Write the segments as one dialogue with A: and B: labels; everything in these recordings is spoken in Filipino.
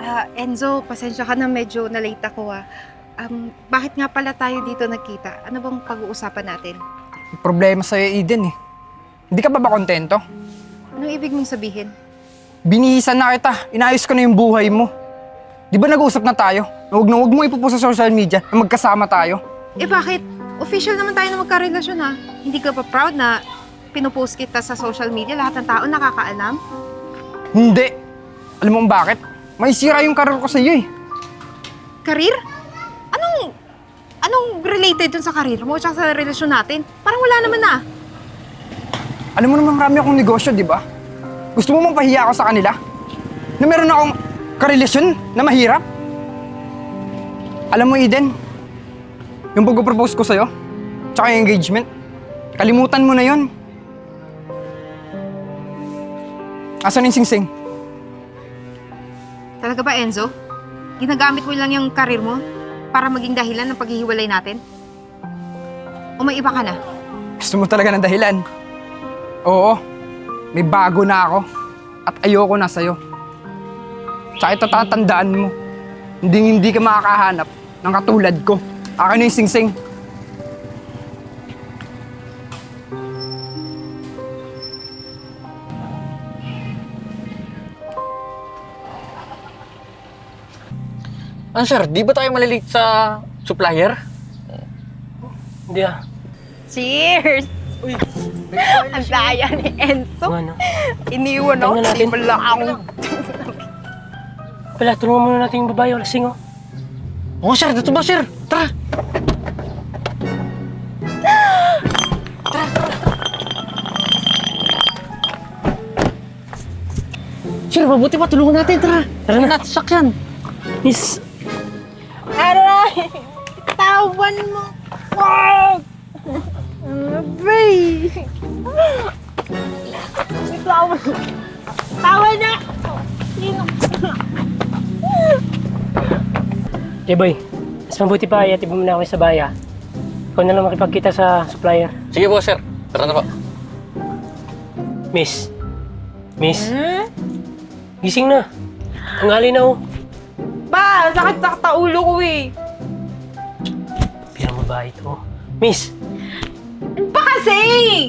A: Enzo, pasensya ka na medyo na-late ako bakit nga pala tayo dito nagkita? Ano bang pag-uusapan natin?
B: May problema sa'yo, Eden eh. Hindi ka ba kontento?
A: Anong ibig mong sabihin?
B: Binihisan na kita. Inayos ko na yung buhay mo. Di ba nag-uusap na tayo? Na huwag mo ipupost sa social media na magkasama tayo?
A: Bakit? Official naman tayo na magkarelasyon Hindi ka pa proud na pinupost kita sa social media? Lahat ng tao nakakaalam?
B: Hindi. Alam mo bakit? May sira yung karir ko sa'yo eh.
A: Karir? Anong related dun sa karir mo at sa relasyon natin? Parang wala naman na.
B: Alam mo naman marami akong negosyo, di ba? Gusto mo mapahiya ako sa kanila? Na meron akong karelasyon na mahirap? Alam mo, Eden, yung pag-propose ko sa'yo, tsaka yung engagement, kalimutan mo na yon. Asan yung singsing?
A: Talaga ba, Enzo? Ginagamit mo lang yung karir mo para maging dahilan ng paghihiwalay natin? O may iba ka na?
B: Gusto mo talaga ng dahilan? Oo, may bago na ako at ayoko na sa'yo. Tsaka ito tatandaan mo, hindi ka makakahanap ng katulad ko. Akin na yung singsing.
C: Ano sir, di ba tayo malilate sa supplier? Hindi ah.
A: Cheers!
C: Uy,
A: Ang daya ni Enzo.
C: ano?
A: Iniwan ako.
C: Tingnan natin.
A: Di pala ako.
C: Pala, tulungan muna natin yung babae o lasing oh. Oo sir, dito ba sir? Tara! Sir, mabuti pa, tulungan natin, tara! Tara na! Sasakyan! Miss!
A: Aray! Tawan mo! Wag! Ano ba Tawan! Tawan na! Sino?
C: Okay boy, mas mabuti pa iatid mo na ako sa baya. Ikaw na lang makipagkita sa supplier.
D: Sige po, sir. Tara na po.
C: Miss! Miss! Gising na! Ang hali na oh!
A: Ba! Sakit-sakit sa ulo ko eh!
C: Pirang babae ito. Miss!
A: Ano ba kasi?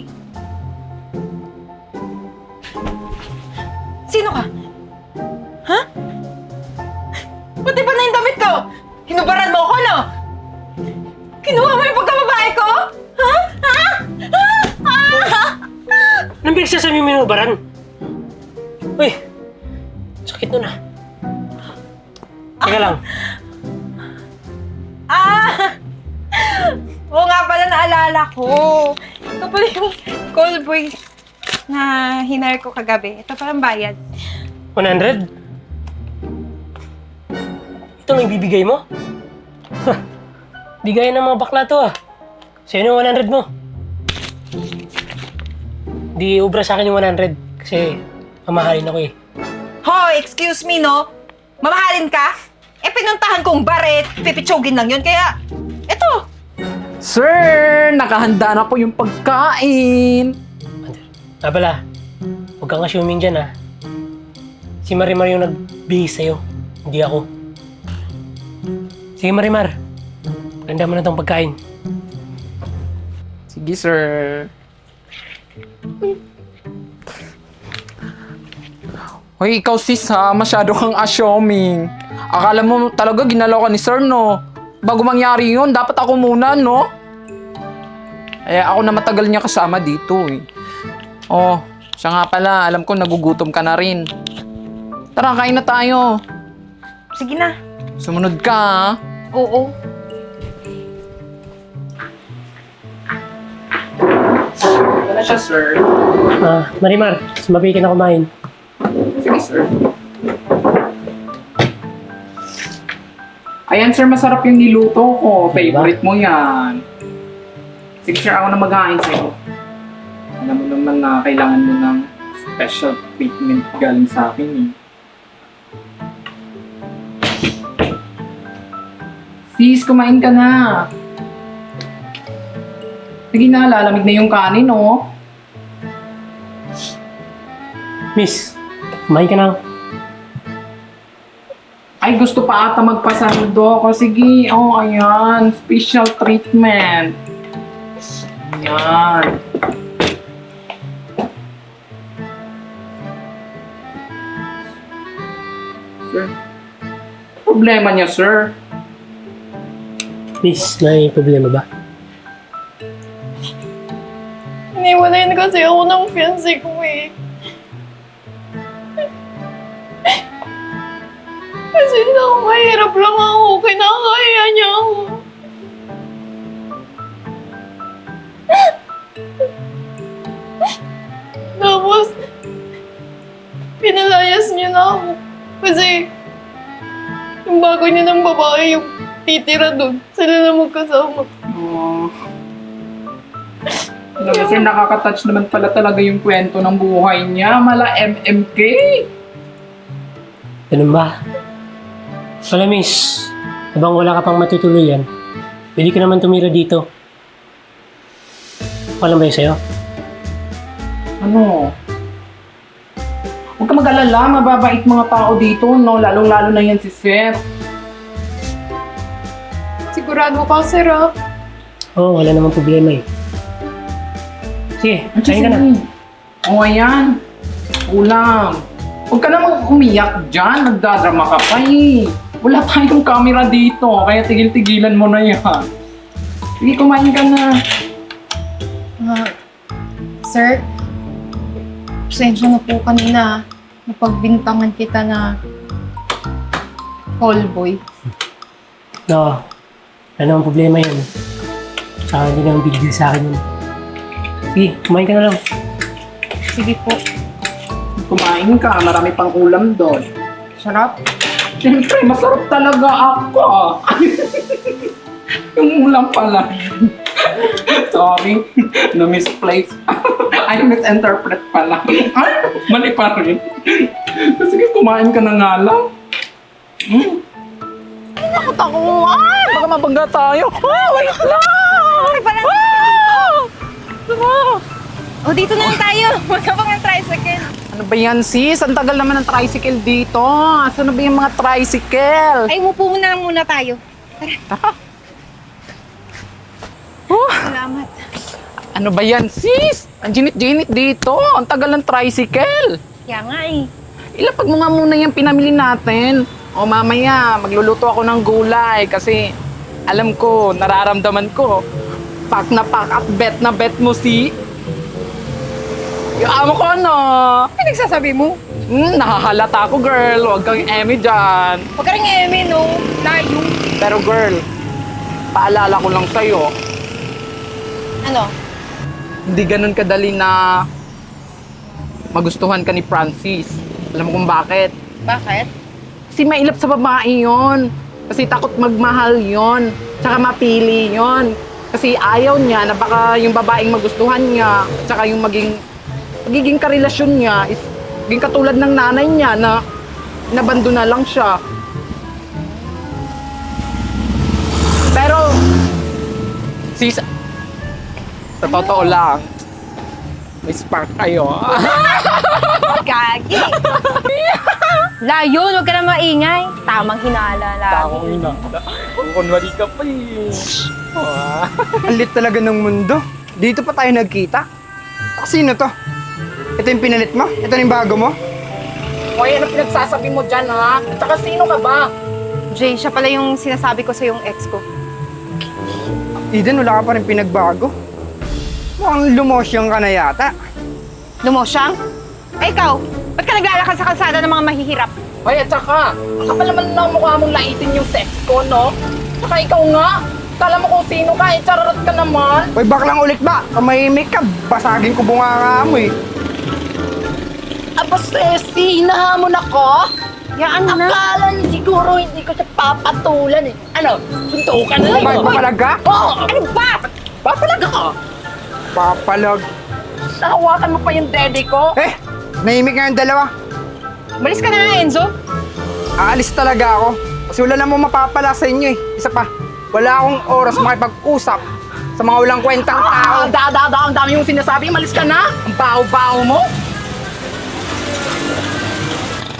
A: Sino ka? Ha? Pati ba na yung damit ko? Hinubaran mo ako, no? Kinuha mo yung pagkababae ko? Ha? Ha? Ha? Ha?
C: Anong pinagsasabi mo yung ubaran? Uy! Sakit nun ah. Teka lang.
A: Oo nga pala, naalala ko. Ito pala yung call boy na hinire ko kagabi. Ito pala ang bayad.
C: 100? Ito ang ibibigay mo? Bigay ng mga bakla to ah. Sa'yo yung 100 mo. Di ubra sa akin yung 100 kasi mamahalin ako eh.
A: Hoy, excuse me, no? Mamahalin ka? Pinuntahan kong baret, pipitsugin lang yun, kaya... Eto!
E: Sir, nakahanda na po yung pagkain.
C: Pala, huwag kang assuming dyan ah. Si Marimar yung nagbihis sa'yo, hindi ako. Sige Marimar, ganda mo na tong pagkain.
E: Sige, sir. Hoy, ikaw sis ha, masyado kang assuming. Akala mo talaga ginalaw ka ni sir, no? Bago mangyari yun, dapat ako muna, no? Ako na matagal niya kasama dito, eh. Oh, siya nga pala, alam ko nagugutom ka na rin. Tara, kain na tayo.
A: Sige na.
E: Sumunod ka, ha?
A: Oo.
E: Wala siya, sir.
C: Marimar, sumabi ka na kumain.
E: Sige, sir. Ayan, sir, masarap yung niluto ko. Favorite mo yan. Sige, sir, ako na maghahain sa'yo. Alam mo naman na kailangan mo ng special treatment galing sa akin, eh. Sis, kumain ka na. Sige na, lalamig na yung kanin, oh.
C: Miss, kumain ka na.
E: Ay, gusto pa ata magpasando ko. Sige, oh, ayan. Special treatment. Ayan. Sir, problema niya, sir.
C: Miss, may problema ba?
A: Iniwalayan kasi ako ng fiancé ko eh. Kasi ako mahirap lang ako. Kinakaya niya ako. Tapos, pinalayas niya na ako. Kasi, yung bago niya ng babae, yung titira doon. Sila na magkasama.
E: Oh. Alam mo, sir, nakaka-touch naman pala talaga yung kwento ng buhay niya. Mala MMK.
C: Ganun ba? Wala, miss. Habang wala ka pang matutuluyan, pwede ka naman tumira dito. Okay lang ba yun sa'yo?
E: Ano? Huwag ka mag-alala, mababait mga tao dito, no? Lalong-lalo na yan si Sir.
A: Sigurado ka, sir, ah.
C: Oo, wala namang problema eh. Sige, kain ka na.
E: O, ayan. Ulam. Huwag ka namang umiyak dyan. Nagdadrama ka pa eh. Wala tayong camera dito, kaya tigil-tigilan mo na yan. Sige, kumain ka na.
A: Sir, pasensya na po kanina. Napagbintangan kita na callboy.
C: No, wala namang problema yun. Saka hindi naman big deal sa akin yun. Sige, kumain ka na lang.
A: Sige po.
E: Kumain ka, marami pang ulam doon.
A: Sarap.
E: Siyempre, masarap talaga ako. Yung ulam pala. Sorry, na-misplace. I misinterpret pala. Ay, mali pa rin. Sige, kumain ka na nga lang.
A: Takot ako. Ah!
E: Baka mabangga tayo. Oh, wait lang!
A: Ay, parang... O, dito na lang tayo. Huwag ka pang ng tricycle.
E: Ano ba yan, sis? Ang tagal naman ng tricycle dito. Asan na ba yung mga tricycle?
A: Ay, umupo muna lang muna tayo.
E: Tara. Oh,
A: Salamat.
E: ano ba yan, sis? Ang ginit-ginit dito. Ang tagal ng tricycle.
A: Kaya nga eh.
E: Ilapag mo nga muna yung pinamili natin. O mamaya, magluluto ako ng gulay kasi alam ko, nararamdaman ko. Pak na pak at bet na bet mo si... Yung amo ko, ano?
A: Ano nagsasabi mo?
E: Nahahalata ako, girl. Huwag kang eme dyan.
A: Huwag ka rin eme, no? Layo.
E: Pero girl, paalala ko lang sa'yo,
A: Ano?
E: hindi ganun kadali na magustuhan ka ni Francis. Alam mo kung bakit?
A: Bakit?
E: Kasi mailap sa babae yon. Kasi takot magmahal yon. Tsaka mapili yon. Kasi ayaw niya na baka yung babaeng magustuhan niya, tsaka yung magiging karelasyon niya is maging katulad ng nanay niya na nabando na lang siya. Pero, sis, sa totoo lang, may spark kayo.
A: Gagi. Layo, huwag ka na maingay. Tamang hinala lagi.
E: inanda. Kunwari ka pa eh.
B: Ang lit talaga ng mundo. Dito pa tayo nagkita. Sino to? Ito yung pinalit mo? Ito yung bago mo?
E: Hoy, ano pinagsasabi mo dyan, ha? At saka sino ka ba?
A: Jay, siya pala yung sinasabi ko sa yung ex ko.
B: Eden, wala ka pa rin pinagbago. Mukhang lumosyang ka na yata.
A: Lumosyang? Ay, ikaw, ba't ka naglalakad sa kalsada ng mga mahihirap?
E: Hoy, at saka, kapal naman na mukha mong laitin yung sex ko, no? Saka ikaw nga, kala mo kung sino ka, charot ka naman.
B: Hoy, baklang ulit ba? Kamahimik ka, basagin ko bunganga mo eh.
E: Aba, Ceci, hinahamon ako?
A: Yaan na.
E: Akala niyo siguro hindi ko siya papatulan eh. Ano, suntukan na
B: May papalag ka?
E: Oo, ano ba? Papalag ako.
B: Papalag.
E: Nahawakan mo pa yung dede ko.
B: Eh, nahimik nga yung dalawa.
A: Malis ka na nga, Enzo.
B: Aalis talaga ako. Kasi wala namang mapapala sa inyo eh. Isa pa, wala akong oras makipag-usap sa mga walang kwentang tao.
E: Ang dami yung sinasabi, malis ka na. Ang baho-baho mo.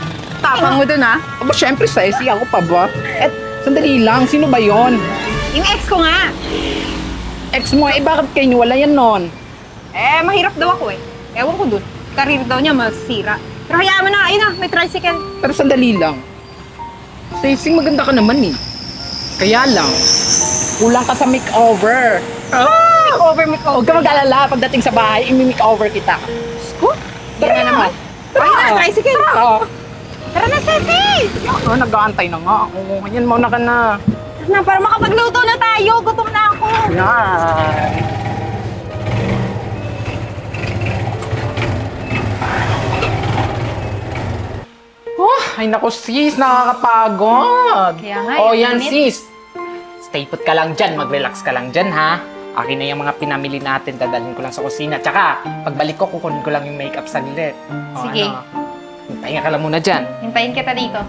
A: tapang mo dun, ha?
E: Aba, syempre sexy ako pa ba? Eh, sandali lang, sino ba yon?
A: Yung ex ko nga.
E: Ex mo, eh bakit kayo niwala yan nun?
A: Eh, mahirap daw ako eh. Ewan ko dun. Karir daw niya masira. Pero hayaan mo na, ayun na, may tricycle.
E: Pero sandali lang. Stacey, maganda ka naman eh. Kaya lang, kulang ka sa makeover.
A: Makeover.
E: Huwag ka mag-alala, pagdating sa bahay, imi-makeover kita.
A: Scoot? Yan na naman. Ayun na, tricycle.
E: Oo.
A: Tara na, Ceci!
E: Nag-aantay na nga. Oo, yan, mauna ka na.
A: Tara na, para makapagluto na tayo. Gutom na ako.
E: Yan. Oh, ay naku sis, nakakapagod.
A: Kaya nga,
E: Oh,
A: yung
E: yan
A: init.
E: sis. Stay put ka lang dyan, mag-relax ka lang dyan ha. Akin na yung mga pinamili natin, dadalhin ko lang sa kusina. Tsaka, pagbalik ko, kukunin ko lang yung makeup saglit. O,
A: Sige.
E: Ano, hintayin ka lang muna dyan.
A: Hintayin kita dito.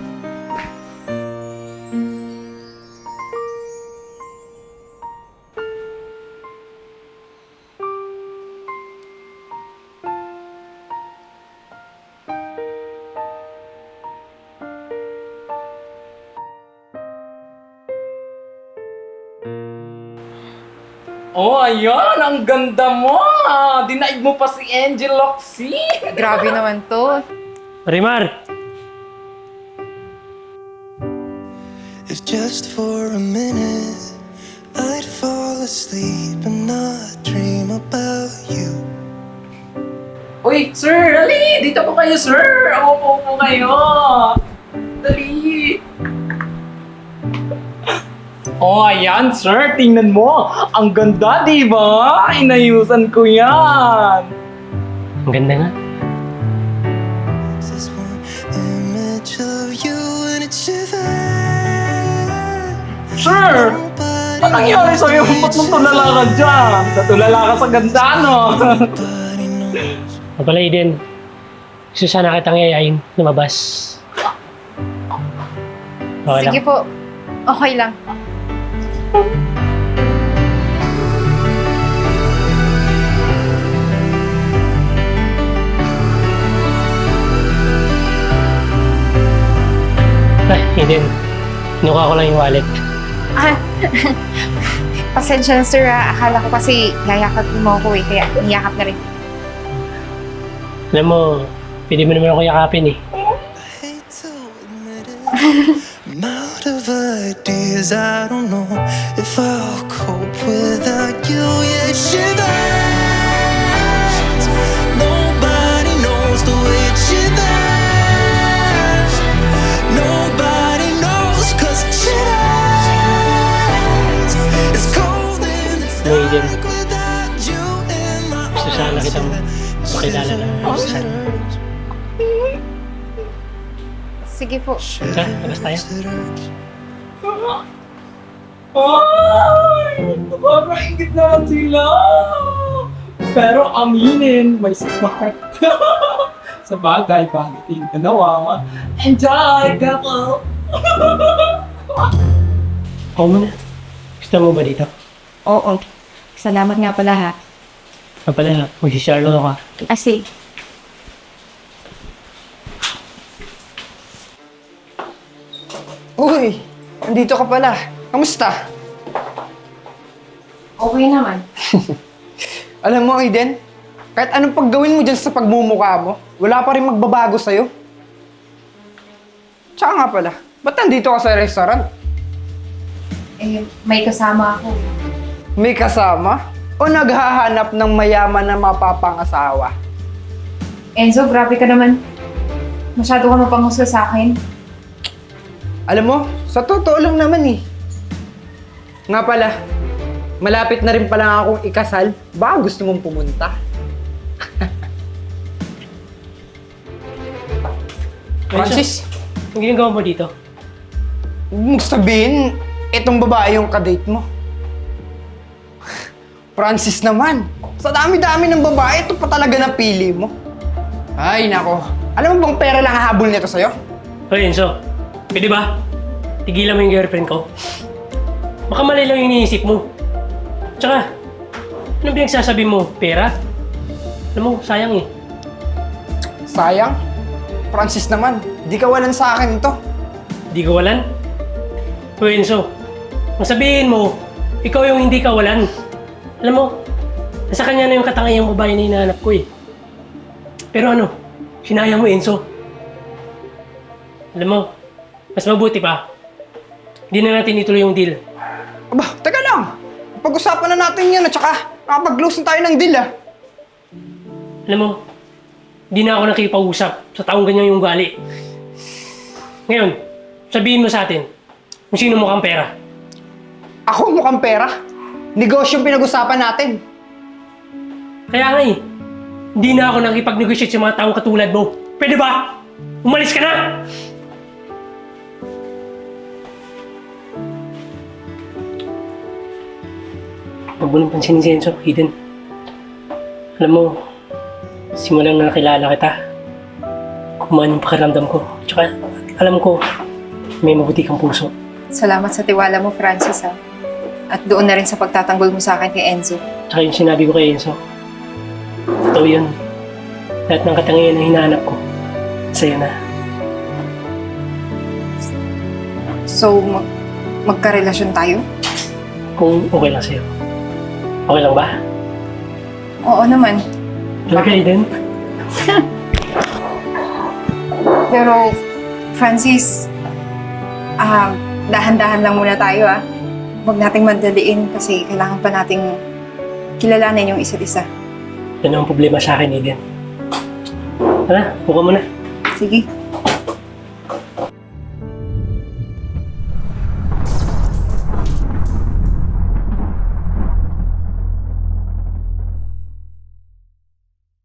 E: Oh, ayan! Ang ganda mo! Dinaig mo pa si Angel Loxy!
A: Grabe naman to.
C: Marimar!
D: If just for a minute I'd fall asleep and not dream about you.
E: Uy, sir! Dali! Dito po kayo, sir! Ako po kayo! Dali! Oh, ayan, sir! Tingnan mo! Ang ganda, di ba? Inayusan ko yan!
C: Ang ganda nga.
D: Just one image of you and it shivers.
E: Sir!
D: Nobody
E: Anong nangyari sa'yo? Ba't mong tulala ka dyan? Natulala ka sa ganda, no?
D: nobody knows.
C: O pala, Eden. Gusto sana kitang yayain, lumabas. Okay
A: Sige
C: lang.
A: po. Okay lang.
C: Ay, Eden. Kinuha ko lang yung wallet.
A: Ah, pasensya na sir ah. Akala ko kasi yayakap mo ako eh. Kaya niyakap na rin.
C: Alam mo, pwede mo naman ako yakapin eh.
D: Hate to admit it. I'm out of ideas. I don't know if I'll cope without you. Yeah, it shivers. Nobody knows the way it shivers. Nobody knows 'cause it shivers. It's cold and it's
C: No, Eden.
D: dark without you in my
C: Gusto sana
D: arms.
C: kitang makilala na. Gusto sana.
A: Sige po.
C: Tara, labas tayo.
E: Ay! Nakakaingit naman sila! Pero aminin, may smart. Sa bagay, bakit yung ganawa? Enjoy, couple!
C: Ako muna. Gusto mo ba dito?
A: Oo. Salamat nga pala ha.
C: O pala, mag-share lang ako.
A: Kasi,
B: Uy! Andito ka pala. Kamusta?
A: okay naman.
B: Alam mo, Aiden, kahit anong paggawin mo dyan sa pagmumukha mo, wala pa rin magbabago sa'yo. Tsaka nga pala, ba't nandito ka sa restaurant?
A: Eh, may kasama ako.
B: May kasama? O naghahanap ng mayaman na mapapangasawa?
A: Enzo, grabe ka naman. Masyado ka mapanghusga sa akin.
B: Alam mo, sa totoo lang naman eh. Nga pala, malapit na rin pala akong ikasal. Baka gusto mong pumunta. Francis,
C: Ang ginagawa mo dito?
B: huwag mong sabihin, itong babae yung kadate mo. Francis naman, sa dami-dami ng babae, ito pa talaga napili mo. Ay, nako. Alam mo bang pera lang hahabol nito sa'yo?
C: Hoy, Enzo. Pwede ba? Tigilan mo yung girlfriend ko. Baka mali lang yung iniisip mo. Tsaka, ano pinagsasabi mo? Pera? Alam mo, sayang eh.
B: Sayang. Francis naman, Di kawalan sa akin to.
C: Di kawalan? O Enzo, kung sabihin mo, ikaw yung hindi kawalan. Alam mo, nasa kanya na yung katangayang babae na hinahanap ko eh. Pero ano, sinayang mo Enzo. Alam mo, mas mabuti pa, hindi na natin ituloy yung deal.
B: Aba, teka lang. Pag-usapan na natin yan at saka nakapag-close na tayo ng deal ah.
C: Alam mo, di na ako nakipag-usap sa taong ganyan yung ugali. Ngayon, sabihin mo sa atin kung sino mukhang pera.
B: Ako mukhang pera. Negosyo yung pinag-usapan natin.
C: Kaya nga eh, hindi na ako nakipag-negotiate sa mga taong katulad mo. Pwede ba? Umalis ka na! Huwag mo nang pansinin si Enzo, Eden. Alam mo, simulang na nakilala kita, kumaan yung pakiramdam ko. Tsaka, alam ko, may mabuti kang puso.
F: Salamat sa tiwala mo, Francis, ha? At doon na rin sa pagtatanggol mo sa akin kay Enzo.
C: Tsaka yung sinabi ko kay Enzo, totoo yun. Lahat ng katangian na hinahanap ko, sa'yo na.
F: So, magkarelasyon tayo?
C: Kung okay lang sa'yo. Okay lang ba?
F: Oo naman.
C: Talaga, Eden?
F: Pero, Francis, dahan-dahan lang muna tayo, ah. Huwag nating madaliin kasi kailangan pa nating kilalanin yung isa't isa.
C: Yan ang problema sa akin, Eden. Tara, buka mo na.
F: Sige.